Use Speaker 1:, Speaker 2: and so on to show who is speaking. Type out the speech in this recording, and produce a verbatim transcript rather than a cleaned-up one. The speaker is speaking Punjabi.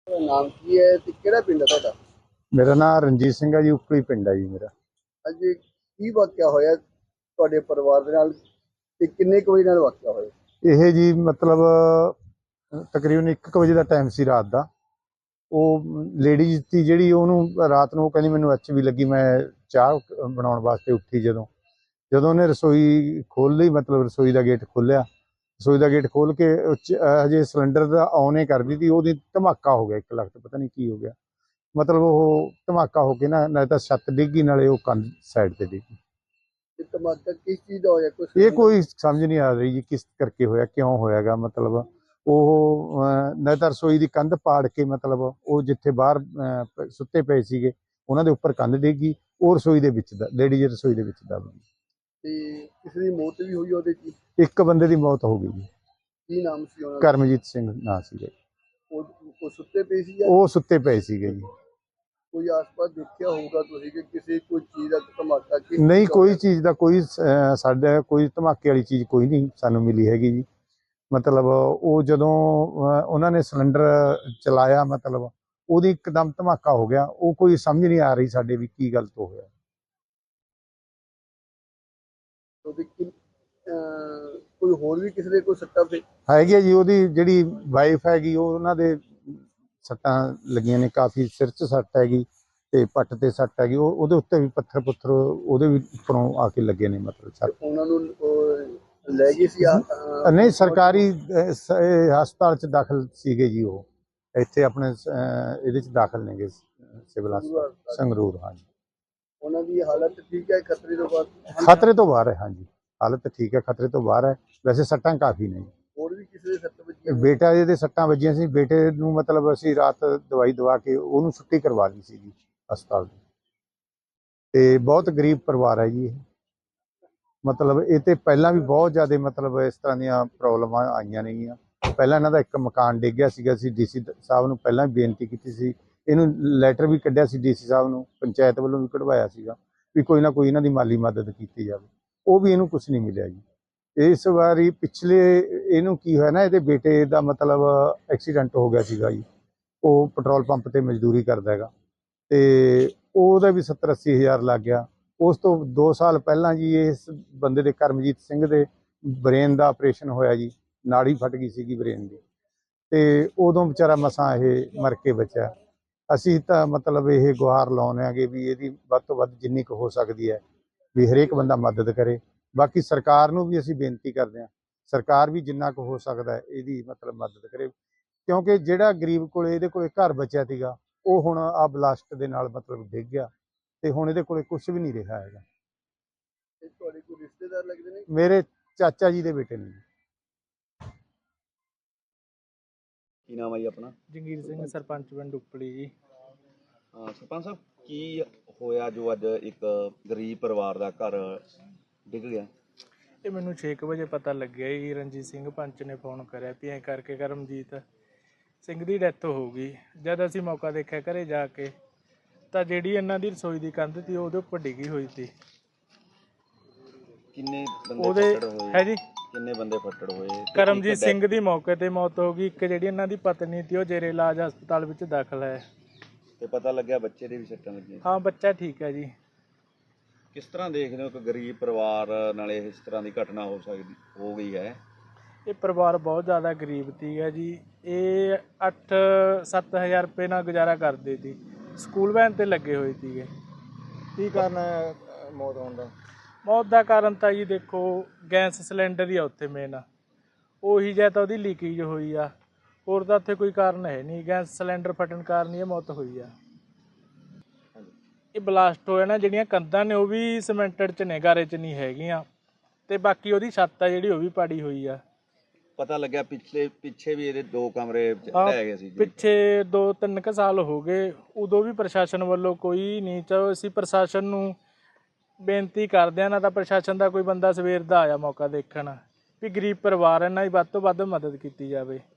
Speaker 1: ਨਾਮ ਕੀ ਹੈ ਤੇ ਕਿਹੜਾ ਪਿੰਡ ਹੈ ਤੁਹਾਡਾ?
Speaker 2: ਮੇਰਾ ਨਾਮ ਰਣਜੀਤ ਸਿੰਘ ਹੈ ਜੀ। ਉਪਲੀ ਪਿੰਡ ਹੈ ਜੀ ਮੇਰਾ।
Speaker 1: ਅੱਜ ਕੀ ਵਾਕਿਆ ਹੋਇਆ ਤੁਹਾਡੇ ਪਰਿਵਾਰ ਦੇ ਨਾਲ ਤੇ ਕਿੰਨੇ ਕੁ ਵਜੇ ਨਾਲ ਵਾਕਿਆ ਹੋਇਆ?
Speaker 2: ਇਹ ਜੀ ਮਤਲਬ ਤਕਰੀਬਨ ਇੱਕ ਕੁ ਵਜੇ ਦਾ ਟਾਈਮ ਸੀ ਰਾਤ ਦਾ। ਉਹ ਲੇਡੀਜ਼ ਸੀ ਜਿਹੜੀ, ਉਹਨੂੰ ਰਾਤ ਨੂੰ ਉਹ ਕਹਿੰਦੀ ਮੈਨੂੰ ਐਚ ਵੀ ਲੱਗੀ। ਮੈਂ ਚਾਹ ਬਣਾਉਣ ਵਾਸਤੇ ਉੱਠੀ, ਜਦੋਂ ਜਦੋਂ ਉਹਨੇ ਰਸੋਈ ਖੋਲ੍ਹ ਲਈ, ਮਤਲਬ ਰਸੋਈ ਦਾ ਗੇਟ ਖੋਲ੍ਹਿਆ। ਰਸੋਈ ਦਾ ਗੇਟ ਖੋਲ੍ਹ ਕੇ ਹਜੇ ਸਿਲੰਡਰ ਦਾ ਔਨ ਹੀ ਕਰਦੀ ਸੀ, ਉਹਦੀ ਧਮਾਕਾ ਹੋ ਗਿਆ। ਇੱਕ ਲੱਖ ਪਤਾ ਨਹੀਂ ਕੀ ਹੋ ਗਿਆ, ਮਤਲਬ ਉਹ ਧਮਾਕਾ ਹੋ ਕੇ ਨਾ ਨਾਲੇ ਤਾਂ ਛੱਤ ਡਿੱਗੀ, ਨਾਲੇ ਉਹ ਕੰਧ ਸਾਈਡ ਤੇ ਡਿੱਗੀ।
Speaker 1: ਤੇ ਧਮਾਕਾ ਕਿਸ ਚੀਜ਼ ਦਾ ਹੋਇਆ? ਕੁਛ
Speaker 2: ਇਹ ਕੋਈ ਸਮਝ ਨਹੀਂ ਆ ਰਹੀ ਜੀ ਕਿਸ ਕਰਕੇ ਹੋਇਆ, ਕਿਉਂ ਹੋਇਆਗਾ। ਮਤਲਬ ਉਹ ਨਾ ਤਾਂ ਰਸੋਈ ਦੀ ਕੰਧ ਪਾੜ ਕੇ, ਮਤਲਬ ਉਹ ਜਿੱਥੇ ਬਾਹਰ ਸੁੱਤੇ ਪਏ ਸੀਗੇ ਉਹਨਾਂ ਦੇ ਉੱਪਰ ਕੰਧ ਡਿੱਗੀ, ਉਹ ਰਸੋਈ ਦੇ ਵਿੱਚ ਦਾ ਲੇਡੀਜ਼ ਰਸੋਈ ਦੇ ਵਿੱਚ ਦਬ ਗਈ।
Speaker 1: ਤੇ ਕਿਸੇ ਦੀ ਮੌਤ ਵੀ ਹੋਈ ਉਹਦੇ ਚ?
Speaker 2: ਇੱਕ ਬੰਦੇ ਦੀ ਮੌਤ ਹੋ ਗਈ ਜੀ।
Speaker 1: ਕੀ ਨਾਮ ਸੀ ਉਹਨਾਂ ਦਾ?
Speaker 2: ਕਰਮਜੀਤ ਸਿੰਘ ਨਾਂ ਸੀਗਾ।
Speaker 1: ਉਹ ਉਹ ਸੁੱਤੇ ਪਏ ਸੀ ਜਾਂ
Speaker 2: ਉਹ ਸੁੱਤੇ ਪਏ ਸੀਗੇ ਜੀ।
Speaker 1: ਕੋਈ ਆਸ-ਪਾਸ ਦੇਖਿਆ ਹੋਊਗਾ ਤੁਸੀਂ ਕਿ ਕਿਸੇ ਕੋਈ ਚੀਜ਼ ਦਾ ਧਮਾਕਾ?
Speaker 2: ਨਹੀਂ, ਕੋਈ ਚੀਜ਼ ਦਾ ਕੋਈ ਸਾਡਾ ਕੋਈ ਧਮਾਕੇ ਵਾਲੀ ਚੀਜ਼ ਕੋਈ ਨਹੀਂ ਸਾਨੂੰ ਮਿਲੀ ਹੈਗੀ ਜੀ। ਮਤਲਬ ਉਹ ਜਦੋਂ ਉਹਨਾਂ ਨੇ ਸਿਲੰਡਰ ਚਲਾਇਆ, ਮਤਲਬ ਉਹਦੀ ਇੱਕਦਮ ਧਮਾਕਾ ਹੋ ਗਿਆ। ਉਹ ਕੋਈ ਸਮਝ ਨਹੀਂ ਆ ਰਹੀ ਸਾਡੇ ਵੀ ਕੀ ਗਲਤ ਹੋ ਗਿਆ।
Speaker 1: ਉਹਦੇ ਕੋਈ ਹੋਰ ਵੀ ਕਿਸੇ ਦੇ ਕੋਈ ਸੱਟਾਂ ਪੇ
Speaker 2: ਹੈਗੀ ਆ ਜੀ। ਉਹਦੀ ਜਿਹੜੀ ਵਾਈਫ ਹੈਗੀ, ਉਹ ਉਹਨਾਂ ਦੇ ਸੱਟਾਂ ਲੱਗੀਆਂ ਨੇ ਕਾਫੀ, ਸਿਰ 'ਚ ਸੱਟ ਹੈਗੀ ਤੇ ਪੱਟ ਤੇ ਸੱਟ ਹੈਗੀ। ਉਹ ਉਹਦੇ ਉੱਤੇ ਵੀ ਪੱਥਰ ਪੁੱਥਰ ਉਹਦੇ ਵੀ ਉੱਪਰੋਂ ਆ ਕੇ ਲੱਗੇ ਨੇ, ਮਤਲਬ ਸੱਟ।
Speaker 1: ਉਹਨਾਂ ਨੂੰ ਲੈ ਗਏ ਸੀ?
Speaker 2: ਨਹੀਂ, ਸਰਕਾਰੀ ਹਸਪਤਾਲ 'ਚ ਦਾਖਲ ਸੀਗੇ ਜੀ। ਉਹ ਇੱਥੇ ਆਪਣੇ ਇਹਦੇ 'ਚ ਦਾਖਲ ਨੇਗੇ, ਸਿਵਲ ਹਸਪਤਾਲ ਸੰਗਰੂਰ। ਹਾਂਜੀ,
Speaker 1: ਉਹਨਾਂ ਦੀ ਹਾਲਤ ਠੀਕ ਹੈ? ਖਤਰੇ ਤੋਂ ਬਾਹਰ?
Speaker 2: ਖਤਰੇ ਤੋਂ ਬਾਹਰ ਹੈ। ਹਾਂਜੀ, ਹਾਲਤ ਠੀਕ ਹੈ, ਖਤਰੇ ਤੋਂ ਬਾਹਰ ਹੈ। ਵੈਸੇ ਸੱਟਾਂ ਕਾਫੀ ਨੇ।
Speaker 1: ਹੋਰ ਵੀ ਕਿਸੇ ਦੇ ਸੱਟ ਵੱਜੀ?
Speaker 2: ਬੇਟਾ ਇਹਦੇ ਸੱਟਾਂ ਵੱਜੀਆਂ ਸੀ। ਬੇਟੇ ਨੂੰ ਮਤਲਬ ਅਸੀਂ ਰਾਤ ਦਵਾਈ ਦਵਾ ਕੇ ਉਹਨੂੰ ਛੁੱਟੀ ਕਰਵਾ ਲਈ ਸੀ ਜੀ ਹਸਪਤਾਲ ਦੀ। ਤੇ ਬਹੁਤ ਗਰੀਬ ਪਰਿਵਾਰ ਹੈ ਜੀ ਇਹ। ਮਤਲਬ ਇਹ ਤੇ ਪਹਿਲਾਂ ਵੀ ਬਹੁਤ ਜ਼ਿਆਦਾ ਮਤਲਬ ਇਸ ਤਰ੍ਹਾਂ ਦੀਆਂ ਪ੍ਰੋਬਲਮਾਂ ਆਈਆਂ ਨੇਗੀਆਂ। ਪਹਿਲਾਂ ਇਹਨਾਂ ਦਾ ਇੱਕ ਮਕਾਨ ਡਿੱਗ ਗਿਆ ਸੀਗਾ। ਅਸੀਂ ਡੀ ਸੀ ਸਾਹਿਬ ਨੂੰ ਪਹਿਲਾਂ ਵੀ ਬੇਨਤੀ ਕੀਤੀ ਸੀ, ਇਹਨੂੰ ਲੈਟਰ ਵੀ ਕੱਢਿਆ ਸੀ ਡੀ ਸੀ ਸਾਹਿਬ ਨੂੰ, ਪੰਚਾਇਤ ਵੱਲੋਂ ਵੀ ਕਢਵਾਇਆ ਸੀਗਾ ਵੀ ਕੋਈ ਨਾ ਕੋਈ ਇਹਨਾਂ ਦੀ ਮਾਲੀ ਮਦਦ ਕੀਤੀ ਜਾਵੇ। ਉਹ ਵੀ ਇਹਨੂੰ ਕੁਛ ਨਹੀਂ ਮਿਲਿਆ ਜੀ। ਇਸ ਵਾਰੀ ਪਿਛਲੇ ਇਹਨੂੰ ਕੀ ਹੋਇਆ ਨਾ, ਇਹਦੇ ਬੇਟੇ ਦਾ ਮਤਲਬ ਐਕਸੀਡੈਂਟ ਹੋ ਗਿਆ ਸੀਗਾ ਜੀ। ਉਹ ਪੈਟਰੋਲ ਪੰਪ ਤੇ ਮਜ਼ਦੂਰੀ ਕਰਦਾ ਹੈਗਾ ਤੇ ਉਹਦਾ ਵੀ ਸੱਤਰ ਅੱਸੀ ਹਜ਼ਾਰ ਲੱਗ ਗਿਆ। ਉਸ ਤੋਂ ਦੋ ਸਾਲ ਪਹਿਲਾਂ ਜੀ ਇਸ ਬੰਦੇ ਦੇ, ਕਰਮਜੀਤ ਸਿੰਘ ਦੇ, ਬ੍ਰੇਨ ਦਾ ਆਪਰੇਸ਼ਨ ਹੋਇਆ ਜੀ। ਨਾੜੀ ਫਟ ਗਈ ਸੀਗੀ ਬ੍ਰੇਨ ਦੀ, ਤੇ ਉਦੋਂ ਵਿਚਾਰਾ ਮਸਾਂ ਇਹ ਮਰ ਕੇ ਬਚਿਆ। ਅਸੀਂ ਤਾਂ ਮਤਲਬ ਇਹ ਗੁਹਾਰ ਲਾਉਂਦੇ ਆਂਗੇ ਵੀ ਇਹਦੀ ਵੱਧ ਤੋਂ ਵੱਧ ਜਿੰਨੀ ਕੁ ਹੋ ਸਕਦੀ ਹੈ ਵੀ ਹਰੇਕ ਬੰਦਾ ਮਦਦ ਕਰੇ। ਬਾਕੀ ਸਰਕਾਰ ਨੂੰ ਵੀ ਅਸੀਂ ਬੇਨਤੀ ਕਰਦੇ ਹਾਂ, ਸਰਕਾਰ ਵੀ ਜਿੰਨਾ ਕੁ ਹੋ ਸਕਦਾ ਹੈ ਇਹਦੀ ਮਤਲਬ ਮਦਦ ਕਰੇ, ਕਿਉਂਕਿ ਜਿਹੜਾ ਗਰੀਬ ਕੋਲੇ ਇਹਦੇ ਕੋਲੇ ਘਰ ਬਚਿਆ ਸੀਗਾ, ਉਹ ਹੁਣ ਆ ਬਲਾਸਟ ਦੇ ਨਾਲ ਮਤਲਬ ਡਿੱਗ ਗਿਆ ਤੇ ਹੁਣ ਇਹਦੇ ਕੋਲੇ ਕੁਝ ਵੀ ਨਹੀਂ ਰਿਹਾ ਹੈਗਾ।
Speaker 1: ਤੁਹਾਡੇ ਕੋਈ ਰਿਸ਼ਤੇਦਾਰ ਲੱਗਦੇ ਨੇ?
Speaker 2: ਮੇਰੇ ਚਾਚਾ ਜੀ ਦੇ ਬੇਟੇ ਨੇ।
Speaker 1: ਕੀ ਨਾਮ ਹੈ ਜੀ ਆਪਣਾ?
Speaker 3: ਜੰਗੀਰ ਸਿੰਘ, ਸਰਪੰਚ ਪਿੰਡ ਉਪਲੀ ਜੀ।
Speaker 1: ਹਾਂ ਸਰਪੰਚ ਸਾਹਿਬ, ਕੀ ਹੋਇਆ ਜੋ ਅੱਜ ਇੱਕ ਗਰੀਬ ਪਰਿਵਾਰ ਦਾ ਘਰ ਡਿੱਗ ਗਿਆ?
Speaker 3: ਇਹ ਮੈਨੂੰ ਛੇ ਕੁ ਵਜੇ ਪਤਾ ਲੱਗਿਆ ਜੀ। ਰਣਜੀਤ ਸਿੰਘ ਪੰਚ ਨੇ ਫੋਨ ਕਰਿਆ ਵੀ ਐਂ ਕਰਕੇ ਕਰਮਜੀਤ ਸਿੰਘ ਦੀ ਡੈਥ ਹੋ ਗਈ। ਜਦ ਅਸੀਂ ਮੌਕਾ ਦੇਖਿਆ ਘਰੇ ਜਾ ਕੇ, ਤਾਂ ਜਿਹੜੀ ਇਹਨਾਂ ਦੀ ਰਸੋਈ ਦੀ ਕੰਧ ਸੀ ਉਹਦੇ ਉੱਪਰ ਡਿੱਗੀ ਹੋਈ ਸੀ।
Speaker 1: ਕਿੰਨੇ ਬੰਦੇ
Speaker 3: ਉਹਦੇ
Speaker 1: ਫੱਟੜ ਹੋਏ?
Speaker 3: ਹੈ ਜੀ,
Speaker 1: ਕਿੰਨੇ ਬੰਦੇ ਫੱਟੜ ਹੋਏ?
Speaker 3: ਕਰਮਜੀਤ ਸਿੰਘ ਦੀ ਮੌਕੇ ਤੇ ਮੌਤ ਹੋ ਗਈ। ਇੱਕ ਜਿਹੜੀ ਇਹਨਾਂ ਦੀ ਪਤਨੀ ਸੀ ਉਹ ਜੇਰੇ ਇਲਾਜ ਹਸਪਤਾਲ ਵਿੱਚ ਦਾਖਲ ਹੈ।
Speaker 1: ਤੇ ਪਤਾ ਲੱਗਿਆ ਬੱਚੇ ਦੇ ਵੀ ਸੱਟਾਂ ਲੱਗੀਆਂ?
Speaker 3: ਹਾਂ, ਬੱਚਾ ਠੀਕ ਹੈ ਜੀ।
Speaker 1: ਕਿਸ ਤਰ੍ਹਾਂ ਦੇਖਦੇ ਹੋ ਕਿ ਗਰੀਬ ਪਰਿਵਾਰ ਨਾਲ ਇਸ ਤਰ੍ਹਾਂ ਦੀ ਘਟਨਾ ਹੋ ਸਕਦੀ ਹੋ ਗਈ ਹੈ?
Speaker 3: ਇਹ ਪਰਿਵਾਰ ਬਹੁਤ ਜ਼ਿਆਦਾ ਗਰੀਬ ਸੀਗਾ ਜੀ। ਇਹ ਅੱਠ ਸੱਤ ਹਜ਼ਾਰ ਰੁਪਏ ਨਾਲ ਗੁਜ਼ਾਰਾ ਕਰਦੇ ਸੀ। ਸਕੂਲ ਵੈਨ ਤੇ ਲੱਗੇ ਹੋਏ ਸੀਗੇ।
Speaker 2: ਕੀ ਕਾਰਨ ਹੈ ਮੌਤ ਹੋਣ ਦਾ?
Speaker 3: ਮੌਤ ਦਾ ਕਾਰਨ ਤਾਂ ਜੀ ਦੇਖੋ, ਗੈਸ ਸਿਲੰਡਰ ਹੀ ਆ ਉੱਥੇ ਮੇਨ। ਉਹੀ ਜਾਂ ਤਾਂ ਉਹਦੀ ਲੀਕੇਜ ਹੋਈ ਆ, ਹੋਰ ਤਾਂ ਉੱਥੇ ਕੋਈ ਕਾਰਨ ਹੈ ਨਹੀਂ। ਗੈਸ ਸਿਲੰਡਰ ਫਟਣ ਕਾਰਨ ਹੀ ਇਹ ਮੌਤ ਹੋਈ ਆ। ਇਹ ਬਲਾਸਟ ਹੋਇਆ ਨਾ, ਜਿਹੜੀਆਂ ਕੰਧਾਂ ਨੇ ਉਹ ਵੀ ਸੀਮੈਂਟਡ 'ਚ ਨੇ, ਗਾਰੇ 'ਚ ਨਹੀਂ ਹੈਗੀਆਂ। ਤੇ ਬਾਕੀ ਉਹਦੀ ਛੱਤ ਆ ਜਿਹੜੀ, ਉਹ ਵੀ ਪਾੜੀ ਹੋਈ ਆ।
Speaker 1: ਪਤਾ ਲੱਗਿਆ ਪਿਛਲੇ ਪਿੱਛੇ ਵੀ ਇਹਦੇ ਦੋ ਕਮਰੇ ਢਹਿ ਗਏ ਸੀ ਜੀ।
Speaker 3: ਪਿੱਛੇ ਦੋ ਤਿੰਨ ਕੁ ਸਾਲ ਹੋ ਗਏ, ਉਦੋਂ ਵੀ ਪ੍ਰਸ਼ਾਸਨ ਵੱਲੋਂ ਕੋਈ ਨਹੀਂ। ਚਲੋ ਅਸੀਂ ਪ੍ਰਸ਼ਾਸਨ ਨੂੰ ਬੇਨਤੀ ਕਰਦੇ ਹਾਂ, ਨਾ ਤਾਂ ਪ੍ਰਸ਼ਾਸਨ ਦਾ ਕੋਈ ਬੰਦਾ ਸਵੇਰ ਦਾ ਆਇਆ ਮੌਕਾ ਦੇਖਣ ਵੀ ਗਰੀਬ ਪਰਿਵਾਰ ਇਹਨਾਂ ਦੀ ਵੱਧ ਤੋਂ ਵੱਧ ਮਦਦ ਕੀਤੀ ਜਾਵੇ।